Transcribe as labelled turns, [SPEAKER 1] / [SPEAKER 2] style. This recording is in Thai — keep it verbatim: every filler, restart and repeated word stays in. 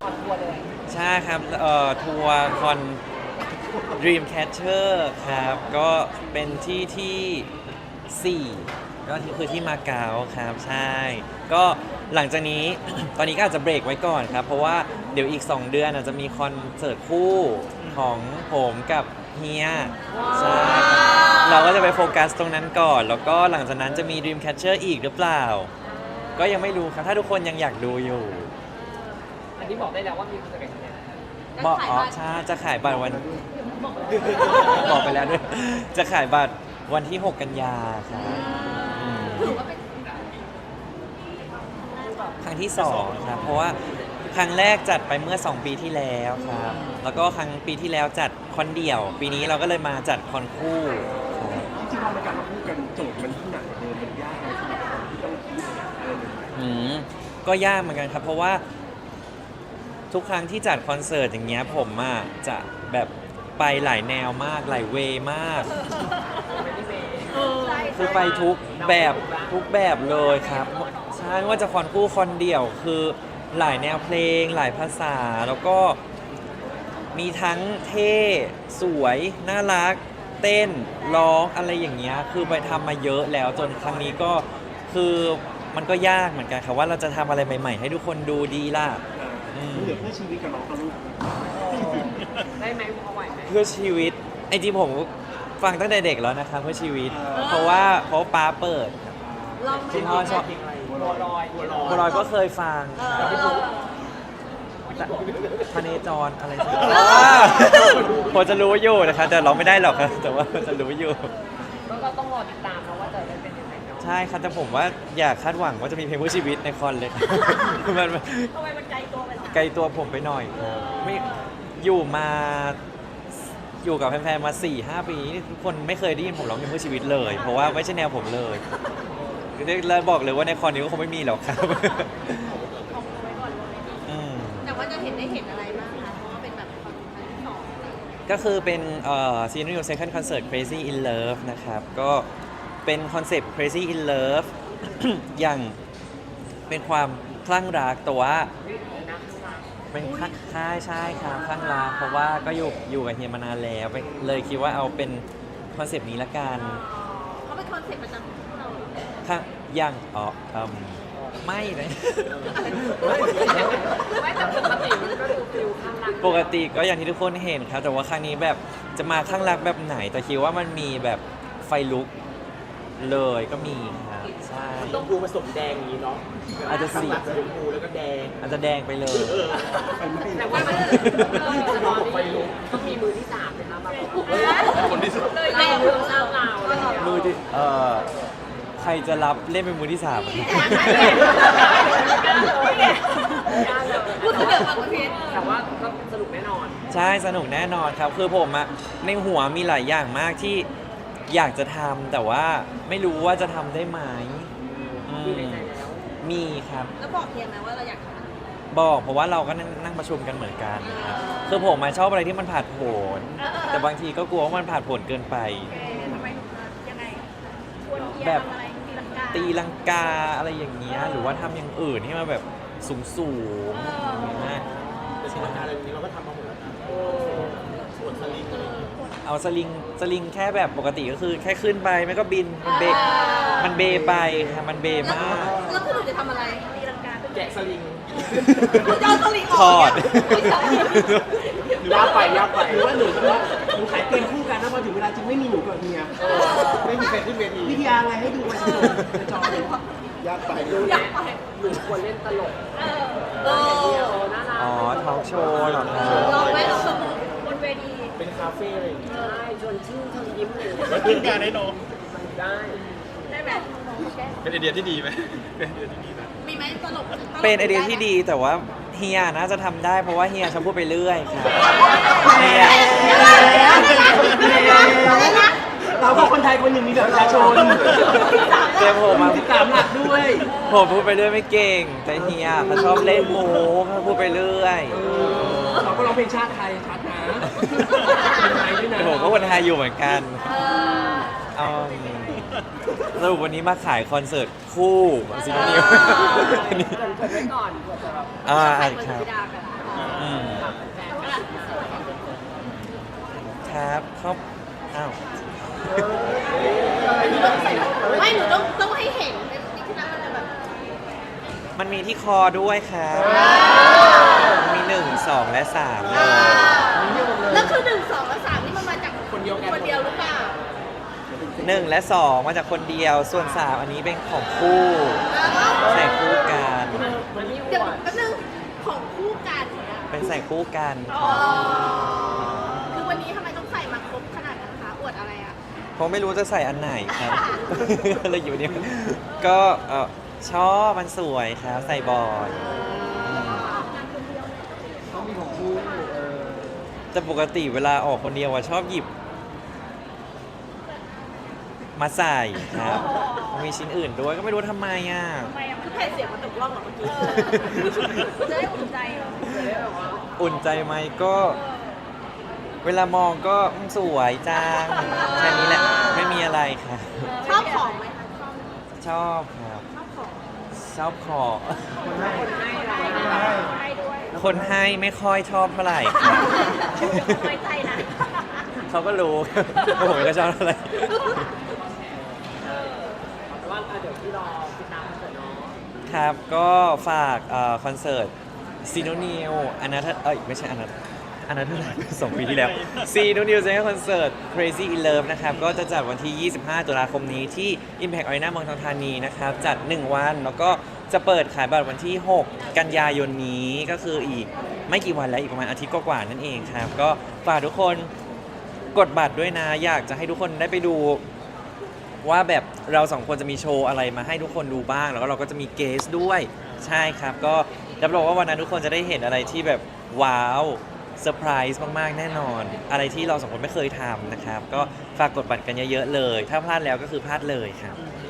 [SPEAKER 1] คอนทัวร์เลย
[SPEAKER 2] ใช่ครับเอ่อทัวร์คอน Dreamcatcher ครับก็เป็นที่ที่สี่ก็คือที่มาเก๊าครับใช่ก็หลังจากนี้ ตอนนี้ก็อาจจะเบรกไว้ก่อนครับเพราะว่าเดี๋ยวอีก สอง เดือนอาจจะมีคอนเสิร์ตคู่ของผมกับเฮียใช่ครับเราก็จะไปโฟกัสตรงนั้นก่อน แล้วก็หลังจากนั้นจะมี Dreamcatcher อีกหรือเปล่า ก็ยังไม่รู้ครับถ้าทุกคนยังอยากดูอยู่
[SPEAKER 1] อันนี้บอกได้แล้วว่ามีคอนเสิร์ตกันเนี่ย
[SPEAKER 2] บอกอ๋อใช่จะขายบัตรวันบอกไปแล้วด้วยจะขายบัตรวันที่ หก กันยาครับอืมครั้งที่สองครับเพราะว่าครั้งแรกจัดไปเมื่อสองปีที่แล้วครับแล้วก็ครั้งปีที่แล้วจัดคอนเดี่ยว ปีนี้เราก็เลยมาจัดคอนคู่ครับ
[SPEAKER 3] จริงๆพอในการมาพูดกันโจทย์มันที่หนักกว่าเดิมมันยากไหมสำหรับคนที่ต้องคิดอะไรใหม่
[SPEAKER 2] อืมก็ยากเหมือนกันครับเพราะว่าทุกครั้งที่จัดคอนเสิร์ตอย่างเงี้ยผมอ่ะจะแบบไปหลายแนวมากหลายเวย์มากคือไปทุกแบบทุกแบบเลยครับใช่ไม่ว่าจะคอนคู่คอนเดี่ยวคือหลายแนวเพลงหลายภาษาแล้วก็มีทั้งเท่สวยน่ารักเต้นร้องอะไรอย่างเงี้ยคือไปทำมาเยอะแล้วจนครั้งนี้ก็คือมันก็ยากเหมือนกันครับว่าเราจะทำอะไรใหม่ๆให้ทุกคนดูดีล่ะ
[SPEAKER 3] ๆมันเหลือเพื่อชีวิตกับน้องกับลูก
[SPEAKER 1] ได้ไหมพอไหวไหม
[SPEAKER 2] เพื่อชีวิตไอ้ที่ผมฟังตั้งแต่เด็กแล้วนะครับเพื่อชีวิตเพราะว่าเพราะป้าเปิดคุณพ่อชอบ
[SPEAKER 1] บัวลอยบัวลอย
[SPEAKER 2] บัวลอยก็เคยฟังพเนจรอะไรสักพอจะรู้อยู่นะครับแต่ร้องไม่ได้หรอกครับแต่ว่าจะรู้อยู่
[SPEAKER 1] ก็ต้องรอติดตามนะว่าจะได้เป็นยังไงเนาะ
[SPEAKER 2] ใช่ครับแต่ผมว่าอยากคาดหวังว่าจะมีเพลงเพื่อชีวิตในคอนเลยมัน
[SPEAKER 1] ทำไมมันไกลตัวไปหรอ
[SPEAKER 2] ไกลตัวผมไปหน่อยครับไม่อยู่มาอยู่กับแฟนๆมา สี่ห้า ปีทุกคนไม่เคยได้ยินผมร้องเพลงเพื่อชีวิตเลยเพราะว่าไม่ใช่แนวผมเลยเลยบอกเลยว่าในคอนนี้ก็คงไม่มีหรอกครับ
[SPEAKER 4] แต่ว่าจะเห็นได้เห็นอะไรบ้างคะเพราะว่าเป็นแบบคอนครั้งที่สอง
[SPEAKER 2] ก็คือเป็นเอ่อ Senior Second Concert Crazy in Love นะครับก็เป็นคอนเซปต์ Crazy in Love อย่างเป็นความคลั่งรักแต่ว่าเป็นคลั่งใช่ใช่ครับคลั่งรักเพราะว่าก็อยู่อยู่กับเฮียมานานแล้วเลยคิดว่าเอาเป็นคอนเซปต์นี้ละกัน
[SPEAKER 4] เขาเป็นคอนเซ็ปต์ประจำของเรา
[SPEAKER 2] ค่ะยังอ๋ออืมไม่เลย
[SPEAKER 1] ไม่แต่ปกติมันก็ดูฟิลข้างรัก
[SPEAKER 2] ปกติก็อย่างที่ทุกคนเห็นครับแต่ว่าครั้งนี้แบบจะมาข้างรักแบบไหนแต่คิดว่ามันมีแบบไฟลุกเลยก็มีครับใช่
[SPEAKER 1] ต้องดูผสมแดงนี้เนาะ
[SPEAKER 2] อาจจะสี
[SPEAKER 1] ชมพูแล้วก็แดง
[SPEAKER 2] อาจจะแดงไปเลย
[SPEAKER 1] แต่ว่ามันจะรอไฟลุกต้องมีมือที่สามนะคะมา
[SPEAKER 3] คนที่สุด
[SPEAKER 1] เลยเราเราเรา
[SPEAKER 2] มือที่เอ่อใครจะรับเล่นเป็นมือที่สาม
[SPEAKER 4] พูดถึงแบบประเภท
[SPEAKER 1] แต่ว่าก็สนุกแน่นอน
[SPEAKER 2] ใช่สนุกแน่นอนครับคือผมอะในหัวมีหลายอย่างมากที่อยากจะทำแต่ว่าไม่รู้ว่าจะทำได้ไหม
[SPEAKER 1] มีในใจแล้ว
[SPEAKER 2] มีครับ
[SPEAKER 4] แล้วบอกเพียงไหมว่าเราอยากทำอะไร
[SPEAKER 2] บอกเพราะว่าเราก็นั่งประชุมกันเหมือนกันครับคือผมมาชอบอะไรที่มันผ่านผลแต่บางทีก็กลัวว่ามันผ่านผลเกินไป
[SPEAKER 4] ทำไมยังไงควร
[SPEAKER 2] แบบ
[SPEAKER 4] ตี
[SPEAKER 2] ตีลังกาอะไรอย่างเงี้ยหรือว่าทำอย่างอื่นที่มันแบบสูงสูงอย่างเงี้ย
[SPEAKER 3] แต่งานอะไรนี้เราก็ทำมาหมดแล้วนะส่วนสลิงอะไร
[SPEAKER 2] เอาสลิงสลิงแค่แบบปกติก็คือแค่ขึ้นไปไม่ก็บินมันเบมันเบไปค่ะมันเบมาก
[SPEAKER 4] แล้วคือหนูจะทำอะไรตีลังกา
[SPEAKER 1] แกะสลิง
[SPEAKER 4] จะเอาสลิง
[SPEAKER 2] ถอด
[SPEAKER 3] ยากไปยากไปหรือว่าหนูว่าหนูขายเกมคู่กันแล้วพอถึงเวลาจริงไม่มีหนูกับเมียไม่มีใครขึ้นเวทีวิทยาไงให้ดูไปจอเลยยากไปดู
[SPEAKER 4] อยากไป
[SPEAKER 1] หนูควรเล่นตลก
[SPEAKER 4] เออ
[SPEAKER 2] อ๋อทอล์กโชว์เหรอครับ
[SPEAKER 4] ลองไหมลองสมมติบนเวที
[SPEAKER 3] เป็นคาเฟ่อะไรอย่างเงี้ย
[SPEAKER 1] ใช่ชวนชื่นชวนยิ้มเลย
[SPEAKER 3] กินการได้น้อง
[SPEAKER 1] ได้
[SPEAKER 4] ได้แบบ
[SPEAKER 3] เป็นไอเดียที่ดีไหมเป็นไอเดียที่ดีไหม
[SPEAKER 4] มีไหมตลก
[SPEAKER 2] เป็นไอเดียที่ดีแต่ว่าเฮียน่าจะทำได้เพราะว่าเฮียชอบพูดไปเรื่อยครับเฮีย
[SPEAKER 3] เราก็คนไทยคนหนึ่งมีแบบประชาชน
[SPEAKER 2] เตรียมผมมา
[SPEAKER 3] ติดตามหลักด้วย
[SPEAKER 2] ผมพูดไปเรื่อยไม่เก่งแต่เฮียเขาชอบเล่นโม้เขาพูดไปเรื่อย
[SPEAKER 3] เราก็ร้องเพลงชาติไทยชัดนะ
[SPEAKER 2] แต่ผมก็คนไทยอยู่เหมือนกันสรุปวันนี้มาขายคอนเสิร์ตคู่ซิงนิว
[SPEAKER 1] อันนี้เกิดไว้ก่อน
[SPEAKER 2] อ่าครับครับเขาอ้าว
[SPEAKER 4] ไม่หนูต้องต้องให้เห็นเป็นนี่คือนั้นมันจะแบบ
[SPEAKER 2] มันมีที่คอด้วยครับมีหนึ่งสองและสามเลย
[SPEAKER 4] แล้วคือหนึ่งสองและสามนี่มันมาจากคนเดียวกันคนเดียวหรือเปล่า
[SPEAKER 2] หนึ่งและสองมาจากคนเดียวส่วนสามอันนี้เป็นของคู่ใส่คู่กัน
[SPEAKER 4] เดี๋ยวแป๊บนึงของคู่กันเนี่ย
[SPEAKER 2] เป็นใส่คู่กัน
[SPEAKER 4] อ๋อคือวันนี้ทำไมต้องใส่มาครบขนาดนั้นคะอวดอะไรอ่ะ
[SPEAKER 2] เพราะไม่รู้จะใส่อันไหนครับ เลยอยู่เนี่ยก็เอ่อชอบมันสวยครับใส่บ่อย
[SPEAKER 3] ต้องมีของคู่เออ
[SPEAKER 2] แต่ปกติเวลาออกคนเดียวอะชอบหยิบ มาใส่ครับมีชิ้นอื่นด้วยก็ไม่รู้ทำไมอ่ะ
[SPEAKER 4] ทำไมอ่ะคือแผ่นเสียงมันตกล่องเหรอเมื่อกี้จะได้อุ่นใจเหรอ
[SPEAKER 2] อุ่นใจไหมก็ เวลามองก็อืมสวยจังแค่นี้แหละไม่มีอะไรครับ
[SPEAKER 4] ชอบของไหมคะชอบ
[SPEAKER 2] ชอบครับ
[SPEAKER 4] ชอบของ
[SPEAKER 2] ชอบขอ
[SPEAKER 3] คนให้
[SPEAKER 4] ให้ด้วย
[SPEAKER 2] คนให้ไม่ค่อยชอบเท่าไหร่ครับ
[SPEAKER 4] ไว้ใจนะ
[SPEAKER 2] เขาก็รู้ ว่าผมก็ชอบเท่าไหร่
[SPEAKER 1] ว่าเดี๋ยวที่รอติดตามคอนเสิร์ตเนาะ
[SPEAKER 2] ครับก็ฝากเอ่อคอนเสิร์ตซีโนนิวอนาเธเอ้ยไม่ใช่อนาอนาเธอร์สองปีที่แล้วซีโนนิวเซนคอนเสิร์ต Crazy in Love นะครับก็จะจัดวันที่ ยี่สิบห้า ตุลาคมนี้ที่ Impact Arena เมืองทองธานีนะครับจัด หนึ่ง วันแล้วก็จะเปิดขายบัตรวันที่ หก กันยายนนี้ก็คืออีกไม่กี่วันแล้วอีกประมาณอาทิตย์กว่าๆนั่นเองครับก็ฝากทุกคนกดบัตรด้วยนะอยากจะให้ทุกคนได้ไปดู ว่าแบบเราสองคนจะมีโชว์อะไรมาให้ทุกคนดูบ้าง แล้วก็เราก็จะมีเกสด้วยใช่ครับก็รับรองว่าวันนั้นทุกคนจะได้เห็นอะไรที่แบบว้าวเซอร์ไพรส์มากๆแน่นอน อะไรที่เราสองคนไม่เคยทำนะครับ ก็ฝากกดบัตรกันเยอะๆเลย ถ้าพลาดแล้วก็คือพลาดเลยครับ
[SPEAKER 3] อืม